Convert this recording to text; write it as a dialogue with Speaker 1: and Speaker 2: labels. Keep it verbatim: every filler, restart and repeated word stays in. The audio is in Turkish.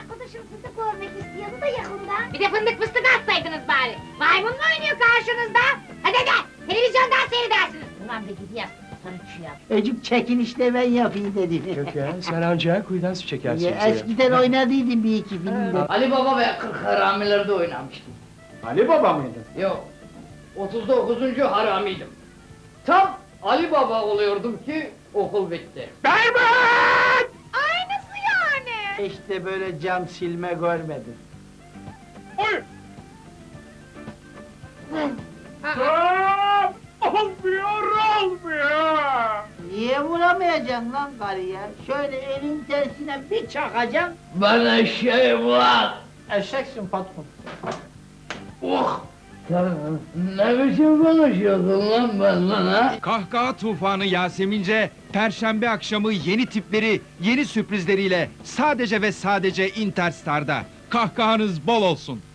Speaker 1: arkadaşım sizi görmek istiyordu da yakında.
Speaker 2: Bir de fındık fıstık atsaydınız bari! Maymun mu oynuyor karşınızda? Hadi hadi! Televizyondan seyredersiniz! Ulan bir gidiyor, sarı yap.
Speaker 3: Ecik çekin işte ben yapayım dedim.
Speaker 4: Yok ya, sen ancak kuyudan su çekersin
Speaker 3: Ya,
Speaker 4: bize ya.
Speaker 3: eskiden oynadıydım bir iki filmde.
Speaker 5: Ali Baba ve kırk Haramiler'de oynamıştım.
Speaker 4: Ali Baba mıydı?
Speaker 5: Yok, otuz dokuzuncu haramiydim. Tam Ali Baba oluyordum ki okul bitti.
Speaker 4: Berbat!
Speaker 2: Aynısı yani!
Speaker 3: İşte böyle cam silme görmedim.
Speaker 4: Oy! Aa, olmuyor, olmuyor!
Speaker 3: Niye vuramayacaksın lan karıya? Şöyle elin tersine bir çakacaksın.
Speaker 5: Bana şey var!
Speaker 3: Eşeksin patron.
Speaker 5: Oh! Sen ne biçim konuşuyorsun lan benden ha?
Speaker 6: Kahkaha tufanı Yasemince, Perşembe akşamı yeni tipleri, yeni sürprizleriyle sadece ve sadece Interstar'da. Kahkahanız bol olsun.